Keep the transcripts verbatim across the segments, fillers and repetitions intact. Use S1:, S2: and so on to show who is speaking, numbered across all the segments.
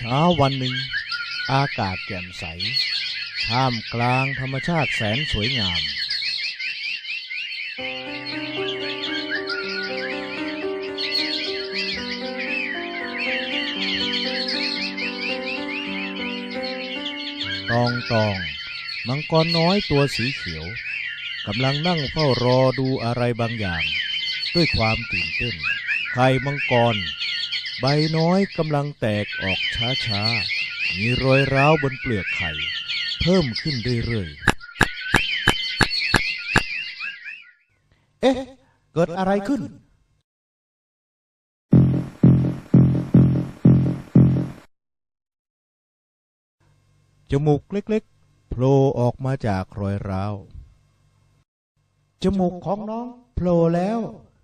S1: ช้าวันหนึ่งอากาศแจ่มใสท่ามกลางธรรมชาติแสนสวยงามตองตองมังกรน้อยตัวสีเขียวกำลังนั่งเฝ้ารอดูอะไรบางอย่างด้วยความตื่นเต้นไข่มังกรใบน้อยกำลังแตกออกช้าๆมีรอยร้าวบนเปลือกไข่เพิ่มขึ้นเรื่อยๆเอ๊ะเกิดอะไรขึ้นจมูกเล็กๆโผล่ออกมาจากรอยร้าวจมูกของน้องโผล่แล้ว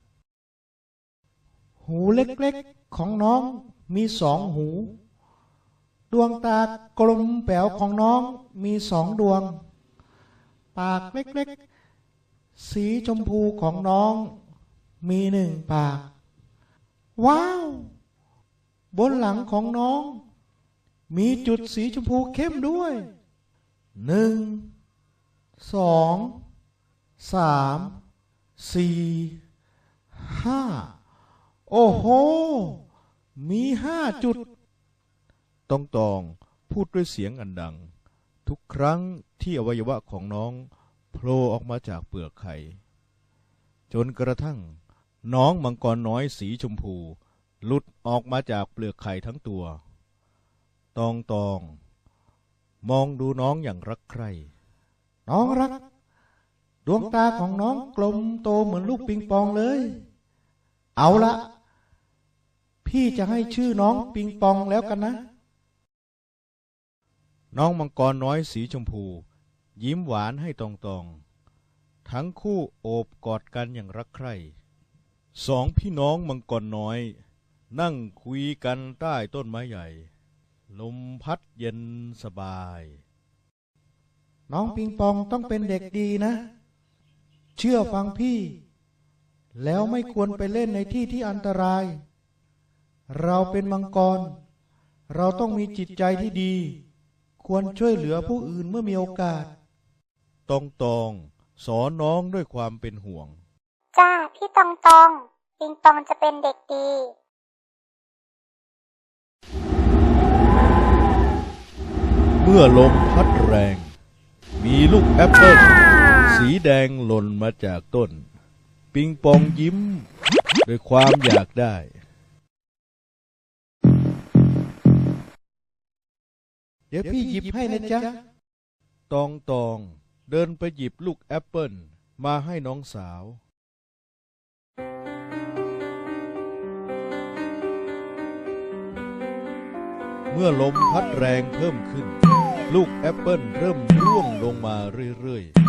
S1: หูเล็กๆของน้องมีสองหูดวงตากลมแป๋วของน้องมีสองดวงปากเล็กๆสีชมพูของน้องมีหนึ่งปากว้าวบนหลังของน้องมีจุดสีชมพูเข้มด้วยหนึ่งสองสามสี่ห้าโอ้โหมีห้าจุดตองตองพูดด้วยเสียงอันดังทุกครั้งที่อวัยวะของน้องโผล่ออกมาจากเปลือกไข่จนกระทั่งน้องมังกรน้อยสีชมพูหลุดออกมาจากเปลือกไข่ทั้งตัวตองตองมองดูน้องอย่างรักใคร่น้องรักดวงตาของน้องกลมโตเหมือนลูกปิงปองเลยเอาละพี่จะให้ชื่อน้องปิงปองแล้วกันนะน้องมังกรน้อยสีชมพูยิ้มหวานให้ตองตองทั้งคู่โอบกอดกันอย่างรักใคร่สองพี่น้องมังกรน้อยนั่งคุยกันใต้ต้นไม้ใหญ่ลมพัดเย็นสบายน้องปิงปองต้องเป็นเด็กดีนะเชื่อฟังพี่แล้วไม่ควรไปเล่นในที่ที่อันตรายเราเป็นมังกรเราต้องมีจิตใจที่ดีควรช่วยเหลือผู้อื่นเมื่อมีโอกาสตองตองสอนน้องด้วยความเป็นห่วง
S2: จ้าพี่ตองตองปิงปองจะเป็นเด็กดี
S1: เมื่อลมพัดแรงมีลูกแอปเปิ้ลสีแดงหล่นมาจากต้นปิงปองยิ้มด้วยความอยากได้เดี๋ยวพี่หยิบให้นะจ๊ะตองตองเดินไปหยิบลูกแอปเปิ้ลมาให้น้องสาวเมื่อลมพัดแรงเพิ่มขึ้นลูกแอปเปิ้ลเริ่มร่วงลงมาเรื่อยๆ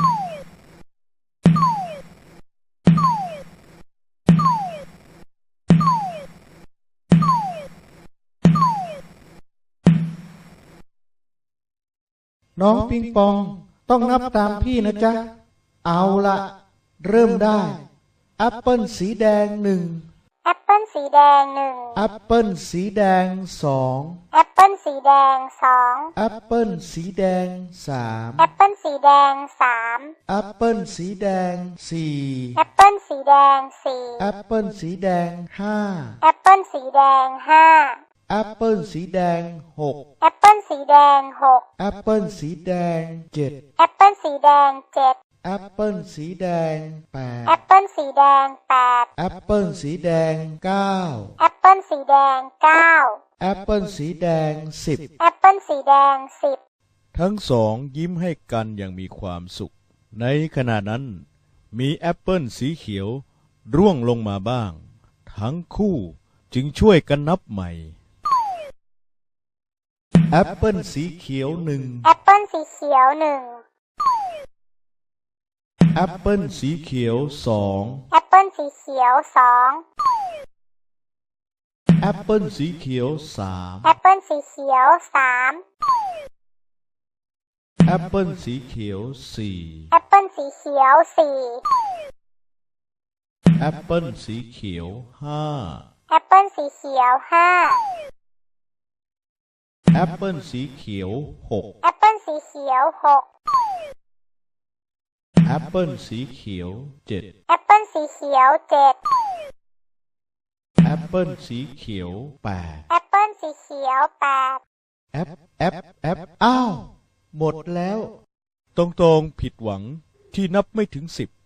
S1: น้องปิงปองต้องนับตามพี่นะจ๊ะเอาละเริ่มได้แอปเปิ้ลสีแดงหนึ่ง
S2: แอปเปิ้ลสีแดงหนึ่ง
S1: แอปเปิ้ลสีแดงสอง
S2: แอปเปิ้ลสีแดงสอง
S1: แอปเปิ้ลสีแดงสาม
S2: แอปเปิ้ลสีแดงสาม
S1: แอปเปิ้ลสีแดงสี่
S2: แอปเปิ้ลสีแดงสี่
S1: แอปเปิ้ลสีแดงห้า
S2: แอปเปิ้ลสีแดงห้า
S1: แอปเปิ้ลสีแดงหก
S2: แอปเปิ้ลสีแดงหก
S1: แอปเปิ้ลสีแดงเจ็ด
S2: แอปเปิ้ลสีแดงเจ็ด
S1: แอปเปิ้ลสีแดงแปด
S2: แอปเปิ้ลสีแดงแปด
S1: แอปเปิ้ลสีแดงเก้า
S2: แอปเปิ้ลสีแดงเก้า
S1: แอปเปิ้ลสีแดงสิบ
S2: แอปเปิ้ลสีแดงสิบ
S1: ทั้งสองยิ้มให้กันอย่างมีความสุขในขณะนั้นมีแอปเปิ้ลสีเขียวร่วงลงมาบ้างทั้งคู่จึงช่วยกันนับใหม่แอปเปิ้ลสีเขียวหนึ่ง
S2: แอปเปิ้ลสีเขียวหนึ่ง
S1: แอปเปิ้ลสีเขียวสอง
S2: แอปเปิ้ลสีเขียวสอง
S1: แอปเปิ้ลสีเขียวสาม
S2: แอปเปิ้ลสีเขียวสาม
S1: แอปเปิ้ลสีเขียวสี่
S2: แอปเปิ้ลสีเขียวสี่
S1: แอปเปิ้ลสีเขียวห้า
S2: แอปเปิ้ลสีเขียวห้า
S3: แอปเปิลสีเขียวหก
S2: แอปเปิลสีเขียวหก
S3: แอปเปิลสีเขียวเจ็ด
S2: แอปเปิลสีเขียวเจ็ด
S3: แอปเปิลสีเขียวแปด
S2: แอปเปิลสีเขียวแปด
S1: แอปแอปแอปอ้าวหมดแล้ว
S3: ตรงตรงผิดหวังที่นับไม่ถึงสิบ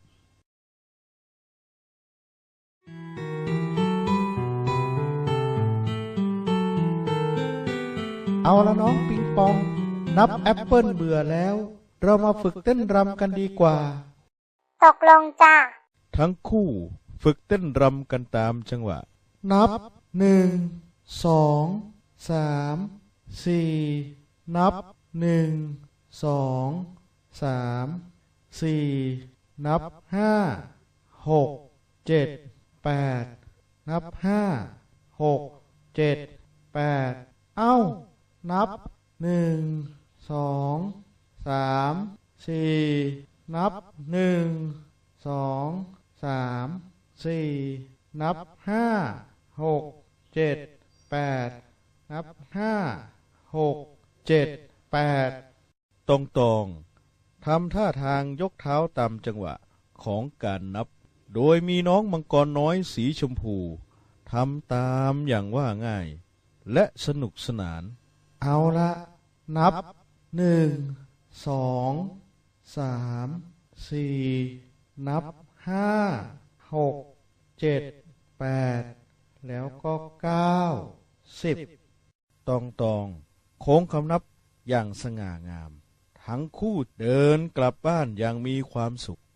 S1: เอาละน้องปิงปองนับแอปเปิลเบื่อแล้วเรามาฝึกเต้นรำกันดีกว่า
S2: ตกลงจ้า
S3: ทั้งคู่ฝึกเต้นรำกันตามจังหวะ
S1: นับหนึ่งสองสามสี่นับหนึ่งสองสามสี่นับห้าหกเจ็ดแปดนับห้าหกเจ็ดแปดเอ้านับหนึ่งสองสามสี่นับหนึ่งสองสามสี่นับห้าหกเจ็ดแปดนับห้าหกเจ็ดแปด
S3: ตรงตรงทำท่าทางยกเท้าตามจังหวะของการนับโดยมีน้องมังกรน้อยสีชมพูทำตามอย่างว่าง่ายและสนุกสนาน
S1: เอาละนับหนึ่งสองสามสี่นับห้าหกเจ็ดแปดแล้วก็เก้าสิบ
S3: ตองตองโค้งคำนับอย่างสง่างามทั้งคู่เดินกลับบ้านอย่างมีความสุข